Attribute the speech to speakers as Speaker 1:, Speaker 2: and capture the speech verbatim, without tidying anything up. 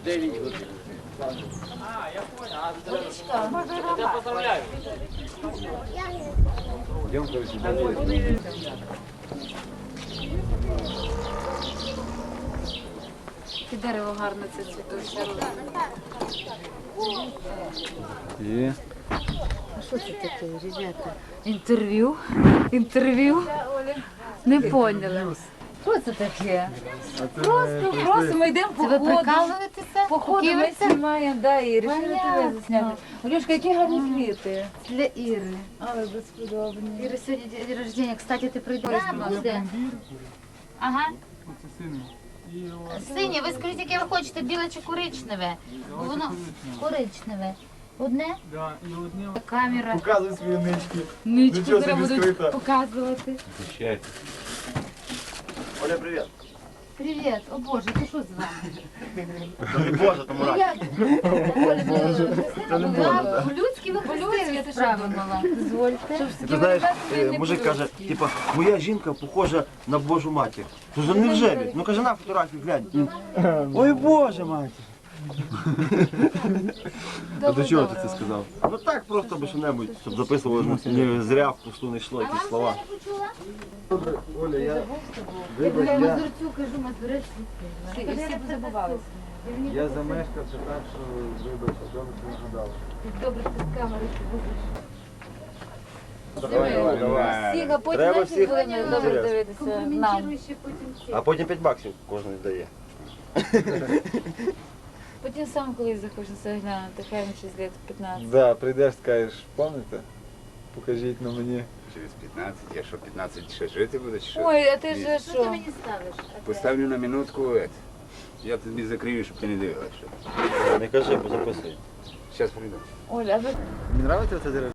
Speaker 1: дев'ять годин. А, я понял. Я поздравляю.
Speaker 2: Йдемо, коротше,
Speaker 3: І дерево гарно це цвітуще.
Speaker 2: І
Speaker 3: А що це таке, ребята? Інтерв'ю? Інтерв'ю? Не поняли. Що це таке? Просто, просто ми йдемо по
Speaker 4: Це ви
Speaker 3: ходу.
Speaker 4: прикалуєтеся?
Speaker 3: По ходу ми
Speaker 4: Куківиця?
Speaker 3: знімаємо, да, і вирішили тебе
Speaker 4: Понятно.
Speaker 3: засняти. Олюшка, які гарні квіти.
Speaker 4: Для Іри.
Speaker 3: Але безподобні.
Speaker 4: Іри сьогодні день рождення. Кстати, ти прийдеш до нас. Де? Ага. Синє, ви скажіть, яке ви хочете, біле чи коричневе? Бо воно коричневе. Одне?
Speaker 5: Да, і одне
Speaker 4: Камера.
Speaker 2: показуй свої нички.
Speaker 3: Нічку
Speaker 2: Нічого
Speaker 3: зараз
Speaker 2: собі
Speaker 3: будуть
Speaker 2: скрита.
Speaker 3: показувати.
Speaker 2: Оля, привіт.
Speaker 4: Привіт. О Боже, це що з вами?
Speaker 2: Не Боже, тому рад.
Speaker 4: Це не Боже. По-людськи ви по-людськи справила.
Speaker 3: Дозвольте.
Speaker 6: Ти знаєш, е, мужик каже, типа, моя жінка похожа на Божу матір. Кажу, невже він? Ну каже, на фотографію глянь. Ой, Боже матір.
Speaker 2: А до чого ти це сказав?
Speaker 6: Ну так просто би що-небудь, щоб записували, не зря впусту не йшло якісь слова.
Speaker 2: Оля, я,
Speaker 4: Я
Speaker 2: вибач, я,
Speaker 4: Мазурцю кажу, Мазурець.
Speaker 3: І всі позабувалися.
Speaker 2: я замешкався так, що вибач, добре, що нагадала.
Speaker 4: Добре, ти з камери будеш.
Speaker 2: Давай, давай, давай.
Speaker 3: Всіх, а потім
Speaker 6: Треба
Speaker 3: наші
Speaker 6: всіх
Speaker 3: будемо добре
Speaker 6: інтерес.
Speaker 3: дивитися нам.
Speaker 4: Компрометируй ще потім ці.
Speaker 6: А потім п'ять баксів кожен дає.
Speaker 3: Потім сам колись захочеться глянути, хай йому щось лет п'ятнадцять.
Speaker 2: Да, прийдеш, скажеш, пам'ятаєте? Покажіть на мені.
Speaker 7: Через п'ятнадцять, я що п'ятнадцять ще жити буду, чи що?
Speaker 3: Ой, а ти ж
Speaker 4: Що ти
Speaker 3: що?
Speaker 4: мені ставиш?
Speaker 7: Поставлю на минутку, ет. Я тобі закрию, щоб ти не дивилася.
Speaker 6: Не кажи, бо записуй.
Speaker 7: Зараз прийду.
Speaker 3: Оля, а ви
Speaker 2: Мені подобається це дерево?